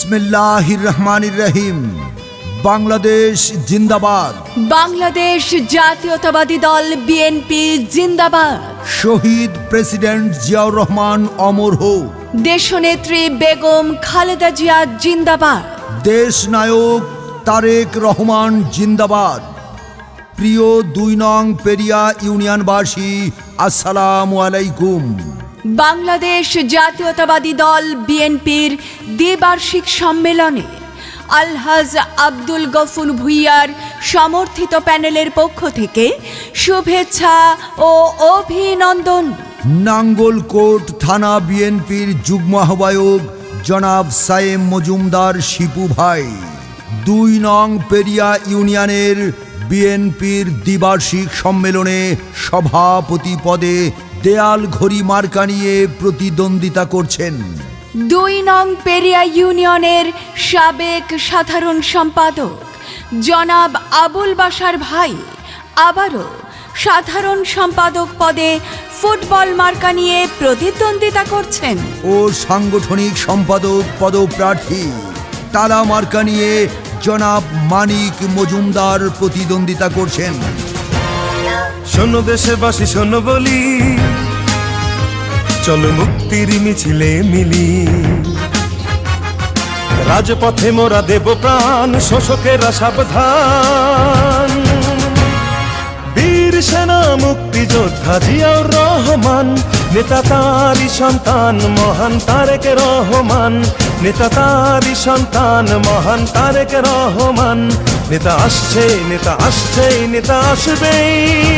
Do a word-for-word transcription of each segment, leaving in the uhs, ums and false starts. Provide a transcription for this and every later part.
বিসমিল্লাহির রহমানির রহিম। বাংলাদেশ জিন্দাবাদ। বাংলাদেশ জাতীয়তাবাদী দল বিএনপি জিন্দাবাদ। শহীদ প্রেসিডেন্ট জিয়াউর রহমান অমর হোক। দেশনেত্রী বেগম খালেদা জিয়া জিন্দাবাদ। দেশ নায়ক তারেক রহমান জিন্দাবাদ। প্রিয় দুই নং পেরিয়া ইউনিয়নবাসী, আসসালামু আলাইকুম। বাংলাদেশ জাতীয়তাবাদী দল বিএনপির দ্বিবার্ষিক সম্মেলনে আলহাজ আব্দুল গফুর ভূঁইয়ার সমর্থিত প্যানেলের পক্ষ থেকে শুভেচ্ছা ও অভিনন্দন। নাঙ্গলকোট থানা বিএনপির যুগ্ম আহ্বায়ক জনাব সায়েম মজুমদার শিপু ভাই, দুই নং পেরিয়া ইউনিয়নের বিএনপির দ্বিবার্ষিক সম্মেলনে সভাপতি পদে দেয়াল ঘড়ি মার্কা নিয়ে প্রতিদ্বন্দ্বিতা করছেন। দুই নং পেরিয়া ইউনিয়নের সাবেক সাধারণ সম্পাদক জনাব আবুল বাশার ভাই আবারও সাধারণ সম্পাদক পদে ফুটবল মার্কা নিয়ে প্রতিদ্বন্দ্বিতা করছেন ও সাংগঠনিক সম্পাদক পদপ্রার্থী তালা মার্কা নিয়ে জনাব মানিক মজুমদার প্রতিদ্বন্দ্বিতা করছেন। শোনো দেশবাসী শোনো বলি, চলো মুক্তির মিছিলে মিলি। রাজপথে মোরা দেব প্রাণ, শোষকেরা সাবধান। বীর সেনা মুক্তিযোদ্ধা জিয়াউর রহমান, নেতা তারই সন্তান মহান তারেক রহমান। নেতা তারই সন্তান মহান তারেক রহমান। নেতা আসছে নেতা আসছে নেতা আসবেই,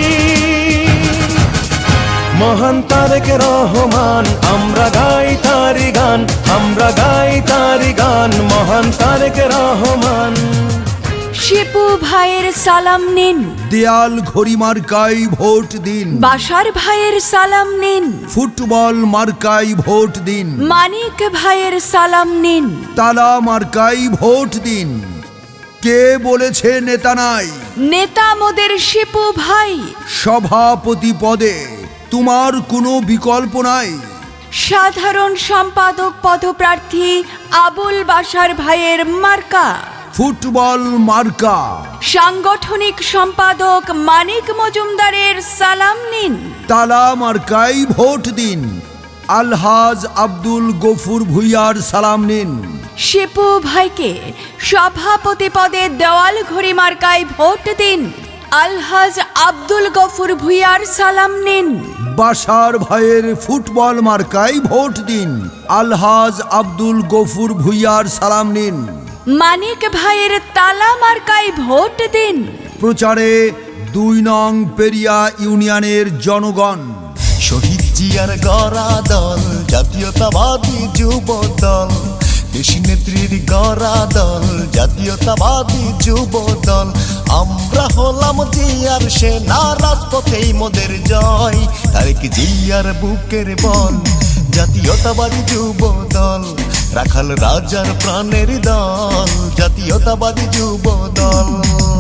মহান তারেক রহমান। আমরা গাই তারি গান, আমরা গাই তারি গান, মহান তারেক রহমান। শিপু ভাইয়ের সালাম নিন, দেয়াল ঘড়ি মার্কায় ভোট দিন। বাশার ভাইয়ের সালাম নিন, ফুটবল মার্কায় ভোট দিন। মানিক ভাইয়ের সালাম নিন, তালা মার্কায় ভোট দিন। কে বলেছে নেতা নাই? নেতা মোদের শিপু ভাই। সভাপতি পদে তোমার কোনো বিকল্প নাই। সাধারণ সম্পাদক পদপ্রার্থী আবুল বাশার ভাইয়ের মার্কা ফুটবল মার্কা। সাংগঠনিক সম্পাদক মানিক মজুমদারের সালাম নিন, তালা মার্কায় ভোট দিন। আলহাজ আব্দুল গফুর ভূঁইয়ার সালাম নিন। শিপু ভাইকে সভাপতি পদে দেওয়াল ঘড়ি মার্কায় ভোট দিন। আলহাজ আব্দুল গফুর ভূঁইয়ার সালাম নিন। বাশার ভাইয়ের ফুটবল মার্কায় ভোট দিন। আলহাজ আব্দুল গফুর ভূঁইয়ার সালাম নিন। মানিক ভাইয়ের তালা মার্কায় ভোট দিন। প্রচারে দুই নং পেরিয়া ইউনিয়নের জনগণ। শহীদ জিয়ার গড়া দল, জাতীয়তাবাদী যুব দল। দেশী নেত্রীর গড়া দল, জাতীয়তাবাদী যুব দল। আমরা হলাম জিয়ার সেনা, রাজপথেই মোদের জয়। তারেক জিয়ার বুকের বল, জাতীয়তাবাদী যুব দল। রাখাল রাজার প্রাণের দল, জাতীয়তাবাদী যুব দল।